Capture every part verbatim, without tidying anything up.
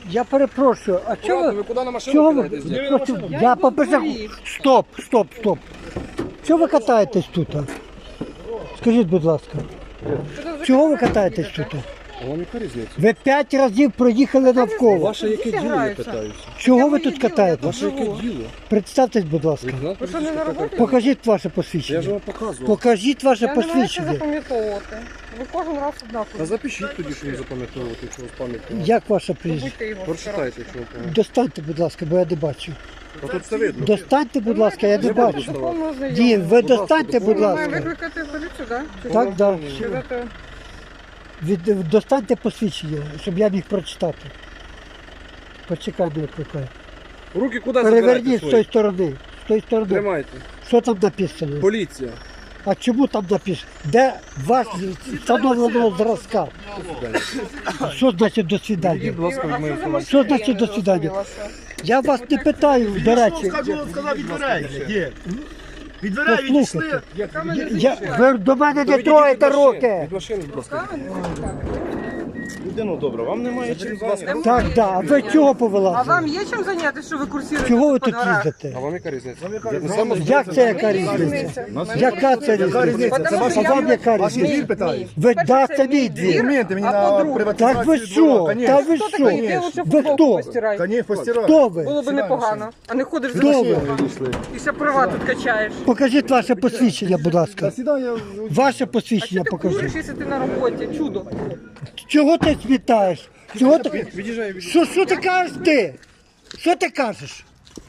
Я перепрошую, а чого Ладно, ви, ви куди на машину чого ви, кидаєтесь? просто, я побежав, стоп, стоп, стоп. Чого ви катаєтесь тут? а? Скажіть, будь ласка, чого ви катаєтесь тут? А вам яка різниця? Ви п'ять разів проїхали навколо. Ваше яке діло, я питаюся? Чого ви тут катаєтесь? Ваше яке діло? Представтесь, будь ласка. Ви що, не на роботі? Покажіть ваше Я ж посвідчення. вам показував. Покажіть ваше Я не маю що посвідчення. запам'ятовувати. Ви кожен раз Та однаково. запишіть тоді, що не запам'ятовувати, якщо у вас пам'ять. Як ваше прізвище? Будьте його. Прочитайте, якщо вам пам'ятаєте. Достаньте, будь ласка, бо я не бачу. А тут все видно. Достаньте, будь ласка, я не Я буду бачу. доставати. Дім, ви достаньте, будь Має ласка. викликати поліцію, так? Так, так. Сказати, Від, достаньте посвідчення, щоб я міг прочитати. Почекай, не викликай. Руки куди Переверніть забирати з тої свої? сторони. З тої сторони. Тримайте. Що там написано? Поліція. А чому там написано? Де вас встановленого зразка? Що значить до свидання? Будь ласка, від моєї інформації. Що значить до свидання? Я вас не питаю, до речі. Сказав від дверей. Є. Від дверей відійшли. Послухайте. Я, ви до мене не троєте руки. Від машини, будь ласка. Людину добре, вам немає чим зайнятися. Так, так. А ви чого а повилазили? вам є чим зайнятися, що ви курсуєте? Чого ви по тут дворах? А їздите? вам яка різниця? Як це яка різниця? Яка це різниця? Потому що А я вам яка Вас різниця? двір питають. Ви Перше, да, це це мій мій двір. Документи мені А на по-друге? приватизацію. Так ви що? Та ви Хто що? такий? Де лучше Ви футболку хто? постирай? Та ні, постирай. Хто ви? Було б непогано. А не ходиш за Хто ви? машиною. І ще права тут качаєш. Покажіть ваше посвідчення, будь ласка. Сідай, я... Ваше А посвідчення що ти покажіть. куриш, якщо ти на роботі? Чудо. Чого ти світаєш? Чого ти? Від'їжджай, від'їжджай. Що, що ти кажеш ти? Що ти кажеш?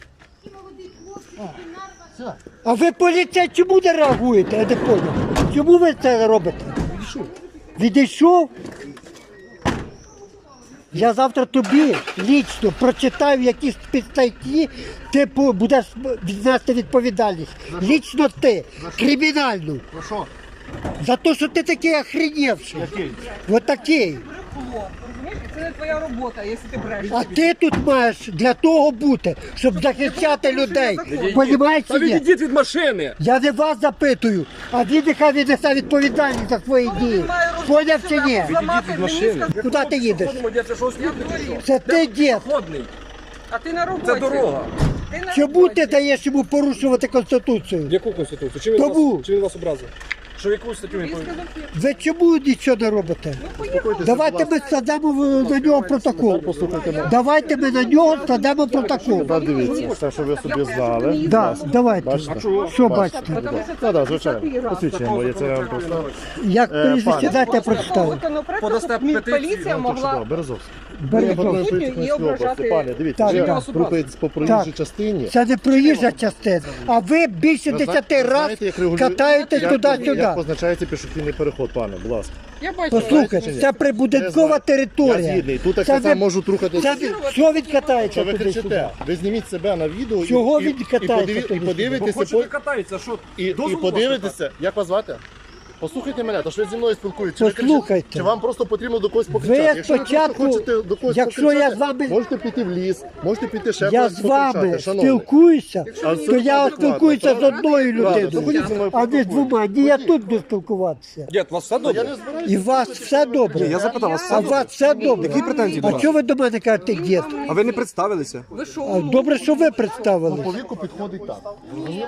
А ви поліція чому не реагуєте? Я не понял. Чому ви це робите? Відійшов. Відійшов? Я завтра тобі лічно прочитаю якісь статті, ти по- будеш віднести відповідальність. Лічно ти, кримінальну. Ну що? За те, що ти такий охренівший. Який? От такий. Розумієш? Це не твоя робота, якщо ти брешеш. А ти тут маєш для того бути, щоб захищати людей. Понімаєш Та чи ні? відійдіть від машини! Я не вас запитую, а він нехай віднесе відповідальність за свої дії. Поняв чи ні? Зламати від машини. мені, Куди ти їдеш? Це що, слідний чи що? Це ти, дід. Ходний. А ти на роботі. Це дорога. Ти на Чому роботі. ти даєш йому порушувати Конституцію? Яку конституцію? Чи він, Тому. вас, чи він вас образив? Що яку статтю він Він повинен? сказав, «Ні». Ви чому нічого не робите? Давайте ми складемо в- на нього протокол. Давайте ми на нього складемо протокол. Дивіться, все, що ви собі знали. Да, давайте. Що бачите? Тому що це Так, так, вже звичайно. п'ятий раз. Посвідчення моє, це я вам просто... Як прізвище, дайте я прочитаю. Законопроект, Подасте щоб мі- петицію, поліція Чудово, могла Березовський. Бережно. і ображати. Пане, дивіться, Так, ви так. рухаєтесь по проїжджій Так. частині. Це не проїжджа частина, а ви більше Ви десяти знаєте, разів як регулює- катаєтесь як- туди-сюди. Як позначається пішохідний переход, пане, будь ласка. Я бачу. Послухайте, це прибудинкова Я територія. згідний, тут так Це само ви- можуть рухатись. Це ви- що він катається Що ви туди-сюди? кричите? Ви зніміть себе на відео і- Чого і, він і, катається подиві- і туди-сюди? подивитеся, Хочете по- катається, що? і, і Дозволу подивитеся, як вас звати? Послухайте мене, то що ви зі мною спілкуєтеся. Чи ви кричите? Послухайте. Чи вам просто потрібно до когось покричати? Ви Якщо ви просто спочатку, хочете до когось якщо покричати, я з вами- можете піти в ліс, можете піти ще Я кудись з вами покричати, шановний. спілкуюся, А то це я адекватно, спілкуюся з правда? одною Правда, то людиною, ходіть зі мною а не з поспілкуємося. двома. Ні, я тут буду спілкуватися. Дід, у вас все Я добре? не збираюся. І у вас все добре. Я запитав вас, А у вас все добре. Які претензії до А вас? чого ви до мене кажете, дід? А ви не представилися? Ви що? А, Добре, що ви представили. По віку підходить так. Ні,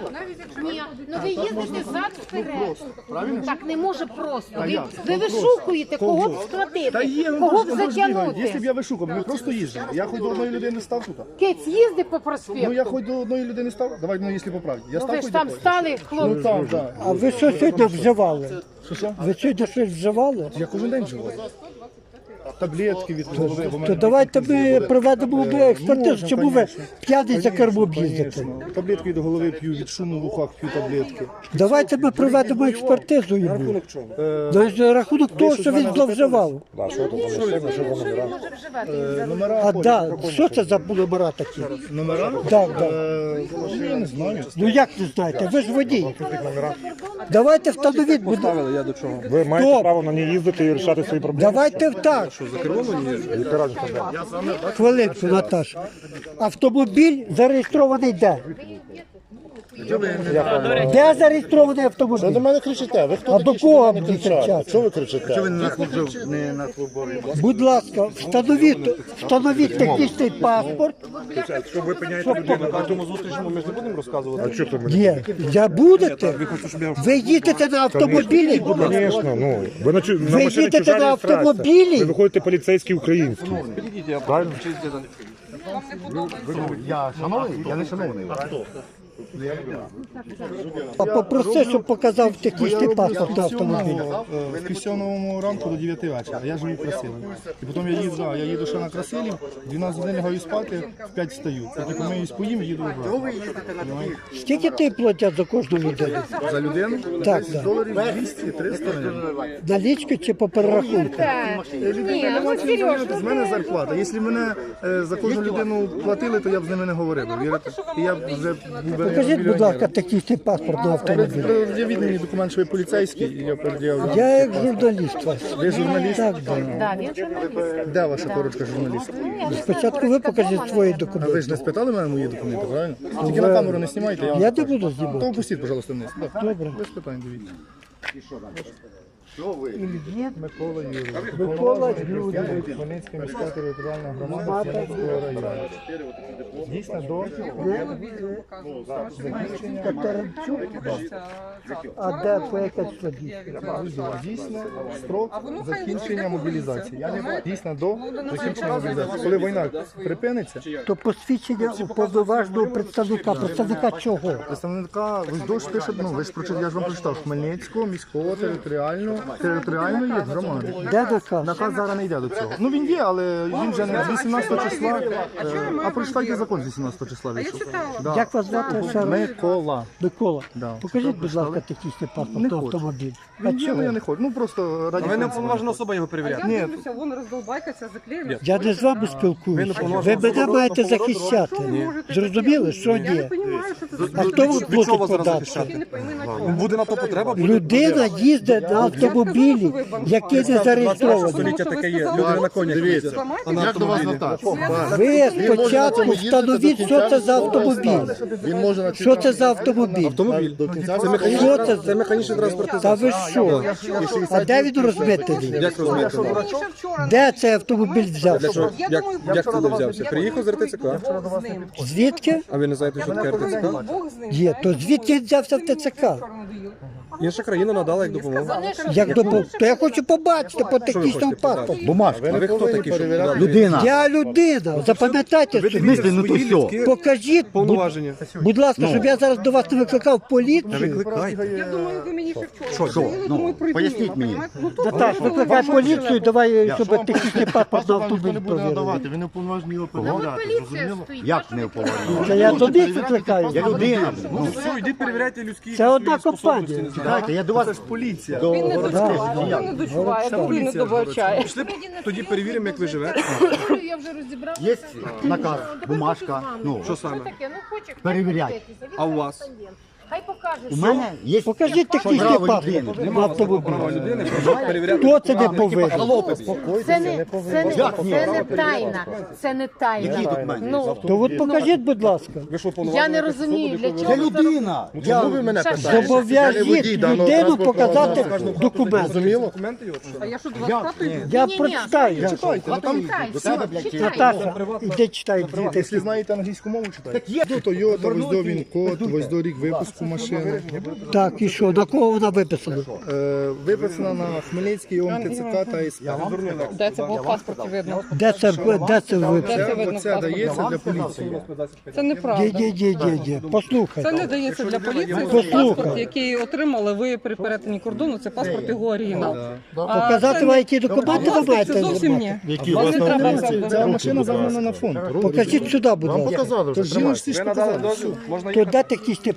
ну ви їздите зад вперед. Так не може просто. Ви, ви вишукуєте, кого б схватити, кого б Якщо б затягнути. я вишукав, ми просто їздили. Я хоч до одної людини став тут. Кець їзди по Ну проспекту. я хоч до одної людини став. Давай, ну якщо по правді. Я Ну став ви хоч ж до там когось. стали, Ну хлопці. там, так. А ви що сьогодні вживали? Що що? Ви сьогодні щось вживали? Я кожен день живу. Таблетки від голови. бо То мене давайте ми проведемо експертизу. можна, Чому ви конечно. п'яний за кермом Конечно. їздите? Таблетки від голови п'ю, від шуму в ухах п'ю таблетки. Давайте ми проведемо експертизу йому. Рахунок чого? На рахунок того, що він зловживав. Е, Номера А ходять. да, що це за номера такі? Номера? Так, так. Е, Я не знаю. Ну як не знаєте? Ви ж водій. Давайте встановіть, будь ласка. Ставили я до чого? Ви маєте Стоп. право на ній їздити і рішати свої проблеми. Давайте так. За кермом мені їжджу? Яка разниця? Хвилинку, Наташа. Автомобіль зареєстрований де? Де зареєстрований Що до автомобіль? мене кричите? Ви хто А такі, до що кого до мене мені кричати? кричати? Що ви кричите? Що ви Будь ласка, встановіть, встановіть технічний паспорт. Якщо ви пиняєте людину на тому зустрічному, ми ж не будемо розказувати. А що ти Є. Я будете? Ви їдете на автомобілі, будь ласка. Звісно, ну. Ви на, чу- на Ви машині їдете чужа на реєстрація. автомобілі? Ви виходите поліцейський український. Підійдіть, я правильно. Вам не подобається. Я шановний? Я не шановний. А попроси, щоб показав технічний паспорт на автомобілі. З півсьомого ранку до дев'яти вечора. Я живу в Красилі. І потім я їду, да, я їду ще на Красилів, дванадцять годин лягаю спати, в п'ять встаю. Потім помиюсь, поїм і їду обратно. Скільки ти платять за кожну людину? За людину? Так, так. Доларів двісті триста гривень. Налічки чи по перерахунку? Ні, ну серйозно. З мене зарплата. Якщо мене е, за кожну людину платили, то я б з ними не говорив. Вірите? І я б вже був би Покажіть, будь ласка, мільйонером. технічний паспорт на автомобілі. Пред'явіть мені документ, що ви поліцейський, і я пред'явлю. Я як журналіст вас. Ви журналіст? Так, так. Да, він журналіст. Де ваша корочка журналіста? Спочатку ви покажіть свої А ви документи. ж не спитали мене мої документи, правильно? Тільки на камеру не знімайте, я вам Я не покажу. буду То знімати. опустіть, пожалуйста, вниз. Так. Добре. Без питань, дивіться. Ільєт Микола Юрійович. Микола Юрійович. Хмельницька міська територіальна громада Хмельницького району. Дійсно до Катеринчук. А де по яке число дійсно? дійсно строк закінчення мобілізації. Дійсно до закінчення мобілізації. Коли війна припиниться, То посвідчення уповноваженого представника. Представника чого? представника ви ж дощ пише, ну ви ж прочитали, я ж вам прочитав Хмельницького міського територіального територіальної громади. Де наказ? Наказ зараз не йде до цього. Ну він є, але він вже не з вісімнадцятого числа. е, А прочитайте закон з вісімнадцятого числа А я вийшов. читала. Да. Як вас звати? ще раз? Микола. Микола. Да. Покажіть, будь ласка, технічний паспорт Не на хочу. автомобіль. А Він є, але я чого? не хочу. Ну просто раді. А ви не принципу. уповноважена особа його перевіряти. Я Ні. дивлюся, вон роздолбайка ця заклеєна. Я не з вами спілкуюся. Ви мене маєте захищати. Зрозуміли, що Я не ні? розумію, що це за А хто вам Від чого платить зараз податки? захищати? не пойми на чому. Буде на то потреба, буде. Людина їздить на автомобілі, який не зареєстрований. Століття таке є. Люди на конях їздять. Зламайте Як до вас звертатися? Ви спочатку встановіть, що це за автомобіль. Він може на Що це за автомобіль? Автомобіль. до кінця Це Що механічний, це це за? механічний транспортний Та засіб. ви що? А де він розмитений? Як розмітили? Мені ще вчора Де цей автомобіль взявся? Для чого? Я Як, думаю, як вчора туди взявся? Я Приїхав з думаю, РТЦК? Бог з ним. Звідки? А ви не знаєте, що таке РТЦК? Бог з ним. Є, то звідки він взявся в ТЦК? Інша країна надала як допомогу. Як допомог? То я хочу побачити по технічному паспорту. Бумажка. А ви хто такий, що надали? Людина. Я людина, запам'ятайте Ви собі. дивіться ну то свої все. людські Покажіть, будь, повноваження. будь ласка, щоб я зараз до вас не викликав поліцію. Викликайте. Я думаю, ви мені ще вчора. Що? Я Ну, думаю, прийду поясніть мимо, мені. понімаєте? Ну, тут Наташ, викликай поліцію, давай, щоб технічний паспорт на Паспорт вам ніхто автомобіль не буде провірили. надавати, ви не уповноважені його Ну, перевіряти, поліція зрозуміло? стоїть. Як не уповноважена? Це я тобі викликаю. Я людина. Ну все, йдіть перевіряйте людські Це одна свої способності. компанія. Знаєте, я до вас Поліція. до Він не городських дочуває, він не дочуває, він не добачає. Пішли, тоді перевіримо, як ви живете. Я вже розібрала. Є наказ, бумажка. Ну, Що саме? Таке, ну хоче. Перевіряй. А у вас? Хай покаже. у мене є Покажіть технічний право паспорт людини. на автомобіль. Права людини, прошу перевіряти. Хто це не повинен? Це не, це не, це не тайна. Це не тайна. Які документи? Ну, То от покажіть, будь ласка. Ви що, я повноважені? не розумію, для Це чого. людина. Я, ви мене Саша, питаєте? Я не Зобов'яжіть водій даного людину транспортного показати засобу. документ. Зрозуміло? Документи його? чи що? А я що до вас хатою йду? Я Ні-ні, прочитаю. Читайте, ну там, Читай, Наташа, іди читай. якщо знаєте англійську мову, читайте. До Toyota, ось до він код, ось до рік випуску машини. Так, і що, на кого вона виписана? Е, виписана на Хмельницький ОМТЦК та СП. Де це було в паспорті видно? Де це, де це виписано? Це, оце дається для поліції. Це неправда. Ні, ні, ні, ні, ні. Це Послухайте. не дається для поліції. Послухай. Паспорт, який отримали ви при перетині кордону, це паспорт його оригінал. А Показати це вам, не- які документи ви Власне, маєте це зовсім зробити? ні. Які Вас у вас не на треба поліції? зробити. Ця машина загнана на фонд. Покажіть сюди, будь Вам ласка. показали То вже, жіночці тримайте. ж Ви надали показали. дозвіл? Можна То їхати? де технічний паспорт?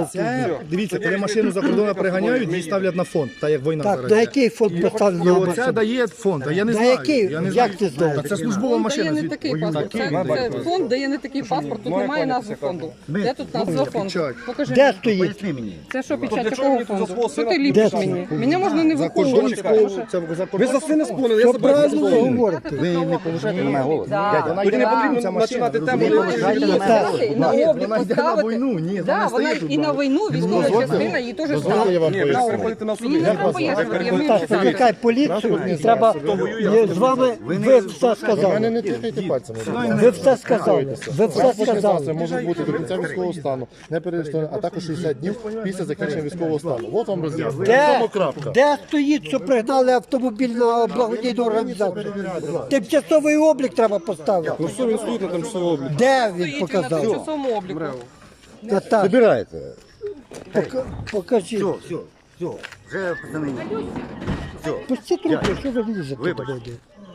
Це, дивіться, коли машину за кордону приганяють, її ставлять на фонд, так як війна Так, зараз. на є. який фонд І поставлено оце машину? дає фонд, а я не На знаю. який? Я не Як знаю. ти знаєш? Та це службова Фонд машина. дає не звідти. такий паспорт. Це, це фонд дає не такий паспорт, тут немає назви фонду. Де тут назва фонду? печать. Покажи. Де мені. стоїть? Поясни мені. Це що, для печать чого якого мені тут за фонду? свого Що сина ти ліпиш Де мені? це? Мене можна не За виховувати. кордонського, це за Ви за сина спонили, я Що себе правильно ви говорите? Ви не повишайте на мене голос. Дядя, Вона Тоді йде не на потрібно ця машина, починати тему. розумієте? Не повишайте на мене Так. голос. І на Ні, облік вона йде на поставити. війну, ні, Да, вона вона стоїть тут. і на війну військова частина, її теж Дозвольте, я ставить. вам Ні, ви поясню. переходите на Мені собі. не треба пояснювати, я вмію Так, читати. викликай поліцію, і треба є- з вами, ви все Мене сказали. не тикайте пальцями. Ви все сказали. Ви все Транспортні засоби сказали. можуть бути до кінця військового стану, не перереєстровані, а також шістдесят днів після закінчення військового стану. От вам роз'яснення. Де, Тому крапка. де стоїть, що пригнали автомобіль на благодійну організацію? Тимчасовий облік треба поставити. Ну все, він стоїть на тимчасовому обліку. Де він Стоїть він на показав? тимчасовому обліку. Наташа, Забирайте. пока- покажіть. Все, все, все. Вже, пацани. Все, Пусти трубку, що ви лізете Вибач. туди?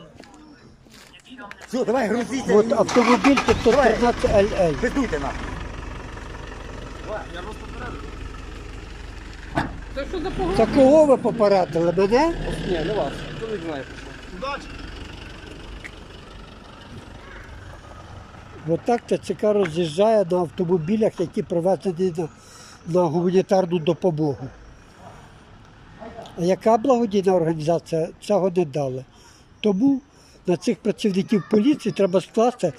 все, давай, грузіться. От автомобіль п'ятсот тринадцять ел ел. Пиздуйте нам. Це що за погроза? Та кого ви попередили? Мене? Ні, не вас. Чоловік знає. Отак ТЦК роз'їжджає на автомобілях, які привезені на, на гуманітарну допомогу. А яка благодійна організація цього не дала? Тому на цих працівників поліції треба скласти.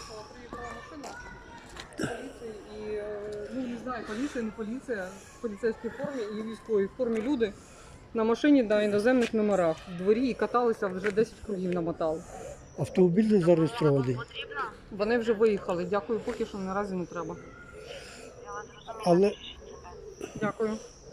І, е, ну, не знаю, поліція, не поліція, в поліцейській формі і військовій формі люди на машині на іноземних номерах в дворі і каталися, вже десять кругів намотали. Автомобіль не зареєстрований. Вони вже виїхали. Дякую, поки що наразі не треба. Але Дякую.